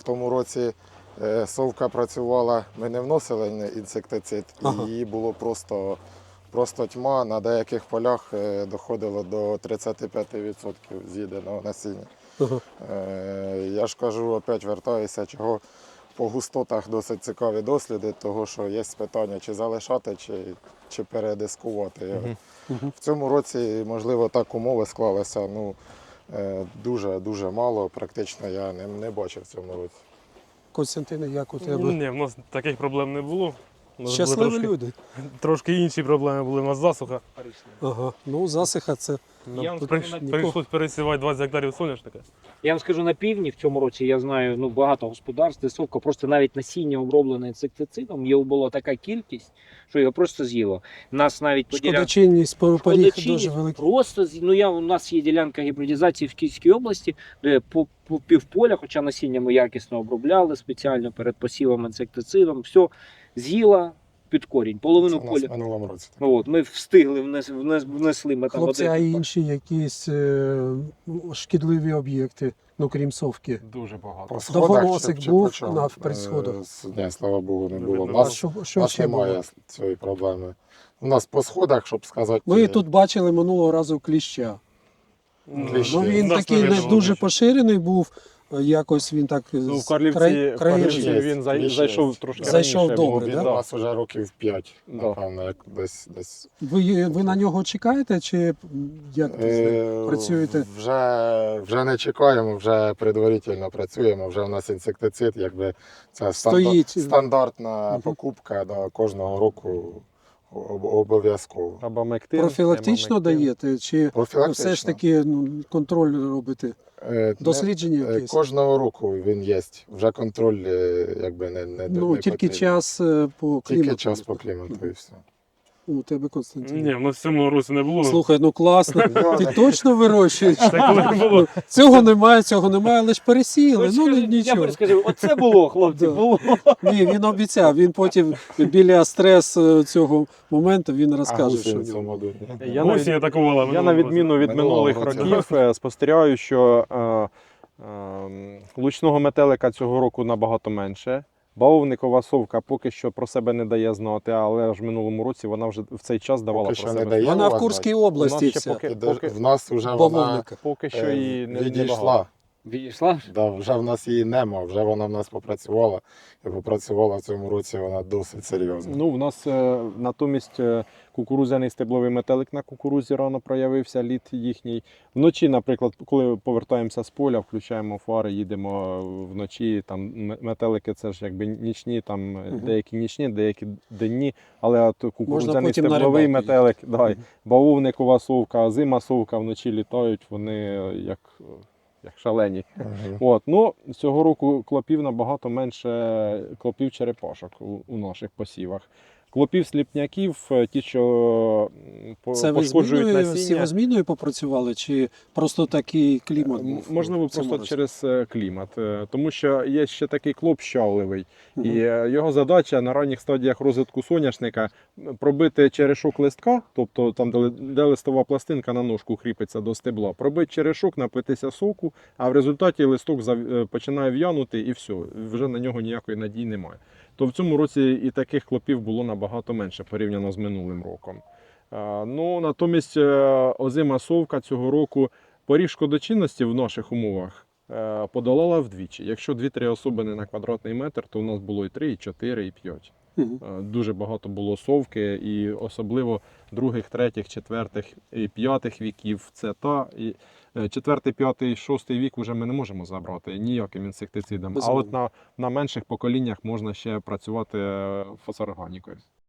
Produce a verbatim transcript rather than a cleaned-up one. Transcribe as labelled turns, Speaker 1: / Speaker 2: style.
Speaker 1: тому році е, совка працювала, ми не вносили інсектицид,
Speaker 2: Ага.
Speaker 1: і її було просто, просто тьма. На деяких полях е, доходило до тридцять п'ять відсотків з'їденого насіння.
Speaker 2: Ага.
Speaker 1: Е, я ж кажу, опять вертаюся, чого по густотах досить цікаві досліди, того що є питання, чи залишати, чи, чи передискувати.
Speaker 3: Мгм.
Speaker 2: Мгм.
Speaker 1: В цьому році, можливо, так умови склалися, ну, дуже-дуже мало, практично я не, не бачив в цьому році.
Speaker 2: Костянтине, як у тебе?
Speaker 3: Ні, в нас таких проблем не було. У нас
Speaker 2: Щасливі
Speaker 3: були трошки,
Speaker 2: люди.
Speaker 3: трошки інші проблеми були, у нас засуха.
Speaker 2: Ага. Ну, засиха це.
Speaker 3: Нам
Speaker 4: Я вам
Speaker 3: прийш-
Speaker 4: скажу,
Speaker 2: нікого-
Speaker 3: прийшлось пересівати двадцять гектарів соняшника.
Speaker 4: Я вам скажу, на півдні в цьому році я знаю ну, багато господарств, де совка просто навіть насіння оброблене інсектицидом, його була така кількість, що його просто з'їло. Нас навіть по ділянкам
Speaker 2: Шкодочинність поріг
Speaker 4: Шкодочинність
Speaker 2: дуже великий.
Speaker 4: просто з- ну я у нас є ділянка гібридизації в Київській області, де по, по півполя, хоча насіння ми якісно обробляли спеціально перед посівом інсектицидом, все з'їла під корінь, половину
Speaker 1: Це у нас в
Speaker 4: поля.
Speaker 1: минулому році.
Speaker 4: Ну, от, ми встигли внес, внес, внесли ми там
Speaker 2: Хлопці,
Speaker 4: один
Speaker 2: а
Speaker 4: гектар.
Speaker 2: інші якісь е, шкідливі об'єкти, ну крім совки.
Speaker 3: Дуже багато.
Speaker 1: По сходах
Speaker 2: Довгоносик
Speaker 1: чи- чи
Speaker 2: був
Speaker 1: по чому?
Speaker 2: на- при сходах?
Speaker 1: Е, с- Ні, слава Богу, не
Speaker 3: Не
Speaker 1: було. У
Speaker 3: видно.
Speaker 2: А
Speaker 1: нас,
Speaker 2: що,
Speaker 1: у
Speaker 2: що
Speaker 1: нас
Speaker 2: ще було?
Speaker 1: немає цієї проблеми. У нас по сходах, щоб сказати,
Speaker 2: Ми
Speaker 1: е,
Speaker 2: тут бачили минулого разу кліща.
Speaker 1: Кліщі.
Speaker 2: Ну він
Speaker 3: У нас
Speaker 2: такий не
Speaker 3: видно
Speaker 2: дуже
Speaker 3: кліща.
Speaker 2: поширений був. Якось він так
Speaker 3: Ну, в
Speaker 2: з
Speaker 3: Карлівці,
Speaker 2: край-
Speaker 3: в
Speaker 2: краєм
Speaker 3: Карлівці
Speaker 1: є.
Speaker 3: він зай-
Speaker 1: Кліщ
Speaker 3: зайшов
Speaker 1: є.
Speaker 3: трошки
Speaker 2: Зайшов
Speaker 3: раніше.
Speaker 2: добре,
Speaker 1: він
Speaker 2: да?
Speaker 1: у нас вже років п'ять,
Speaker 3: Да.
Speaker 1: напевно, як десь. десь.
Speaker 2: Ви, ви на нього чекаєте, чи як це з ним
Speaker 1: Е,
Speaker 2: працюєте?
Speaker 1: Вже, вже не чекаємо, вже предварительно працюємо, вже у нас інсектицид, якби це
Speaker 2: Стоїть.
Speaker 1: стандар- стандартна
Speaker 2: Мгм.
Speaker 1: покупка да, кожного року об- обов'язково.
Speaker 3: Абамектин,
Speaker 2: Профілактично
Speaker 3: емамектин.
Speaker 2: даєте, чи
Speaker 1: Профілактично.
Speaker 2: все ж таки ну, контроль робите?
Speaker 1: Е, не-
Speaker 2: Дослідження
Speaker 1: е,
Speaker 2: якісь?
Speaker 1: Кожного року він є. Вже контроль е, якби не, не,
Speaker 2: Ну,
Speaker 1: не
Speaker 2: тільки
Speaker 1: потрібен.
Speaker 2: час е, по клімату.
Speaker 1: Тільки час по клімату і все.
Speaker 2: У тебе, Константин.
Speaker 3: Ні, в нас в цьому році не було.
Speaker 2: Слухай, ну класно. Ти точно вирощуєш?
Speaker 3: Це коли було.
Speaker 2: Цього немає, цього немає, але ж пересіяли.
Speaker 4: Ось
Speaker 2: Ну
Speaker 4: скажи,
Speaker 2: нічого.
Speaker 4: Я скажу, оце було, хлопці,
Speaker 2: Да.
Speaker 4: було.
Speaker 2: Ні, він обіцяв. Він потім біля стрес е, цього моменту він розкаже, що
Speaker 1: гусені
Speaker 2: в
Speaker 1: в цьому
Speaker 2: нього.
Speaker 1: году.
Speaker 3: Я на, Осінь атакувала.
Speaker 5: Я на
Speaker 3: минулого року.
Speaker 5: відміну від
Speaker 1: Минулого
Speaker 5: минулих
Speaker 1: року.
Speaker 5: років е, спостерігаю, що е, е, лучного метелика цього року набагато менше. Бавовникова совка поки що про себе не дає знати, але ж в минулому році вона вже в цей час давала
Speaker 1: Поки
Speaker 5: про
Speaker 1: що не
Speaker 5: себе.
Speaker 1: дає.
Speaker 5: знати.
Speaker 2: Вона в
Speaker 1: вас
Speaker 2: Курській
Speaker 5: У нас
Speaker 2: області
Speaker 5: ще
Speaker 2: вся.
Speaker 5: поки,
Speaker 1: І
Speaker 5: поки,
Speaker 1: де- В нас вже вона
Speaker 2: Бавовника.
Speaker 5: поки що
Speaker 1: е,
Speaker 5: і не
Speaker 1: відійшла.
Speaker 5: небагато.
Speaker 4: Відійшла?
Speaker 1: Да, вже в нас її нема, вже вона в нас попрацювала. І попрацювала в цьому році вона досить серйозно.
Speaker 5: Ну, в нас е, натомість е, кукурудзяний стебловий метелик на кукурудзі рано проявився, лід їхній. Вночі, наприклад, коли повертаємося з поля, включаємо фари, їдемо вночі. Там м- метелики це ж якби нічні, там е,
Speaker 2: Мгм.
Speaker 5: деякі нічні, деякі денні. Але от кукурудзяний
Speaker 2: потім на
Speaker 5: стебловий
Speaker 2: рибалку
Speaker 5: метелик, да,
Speaker 2: Мгм.
Speaker 5: бавовникова совка, зима совка вночі літають, вони е, як, е, як шалені.
Speaker 1: Мгм.
Speaker 5: От, ну, цього року клопів набагато менше клопів черепашок у, у наших посівах. Клопів сліпняків, е, ті, що м, по-
Speaker 2: Це ви
Speaker 5: пошкоджують
Speaker 2: зміною,
Speaker 5: насіння.
Speaker 2: сівозміною попрацювали, чи просто такий клімат
Speaker 5: М,
Speaker 2: був?
Speaker 5: Можливо,
Speaker 2: в цьому
Speaker 5: просто
Speaker 2: році?
Speaker 5: через е, клімат. Е, Тому що є ще такий клоп щавливий.
Speaker 2: Мгм.
Speaker 5: І е, його задача на ранніх стадіях розвитку соняшника м, пробити черешок листка, тобто там, де, ли- де листова пластинка на ножку кріпиться до стебла, пробити черешок, напитися соку, а в результаті листок зав- е, починає в'янути і все, вже на нього ніякої надії немає. То в цьому році і таких клопів було набагато менше порівняно з минулим роком. Е, Ну, натомість е, озима совка цього року поріг шкодочинності в наших умовах е, подолала вдвічі. Якщо дві-три особини на квадратний метр, то у нас було і три, і чотири, і п'ять.
Speaker 2: Мгм.
Speaker 5: Е, Дуже багато було совки, і особливо других, третіх, четвертих і п'ятих віків. Це та і е, четвертий, п'ятий, шостий вік вже ми не можемо забрати ніяким інсектицидом. А
Speaker 2: Безумовно.
Speaker 5: от на, на менших поколіннях можна ще працювати е, фосфорорганікою.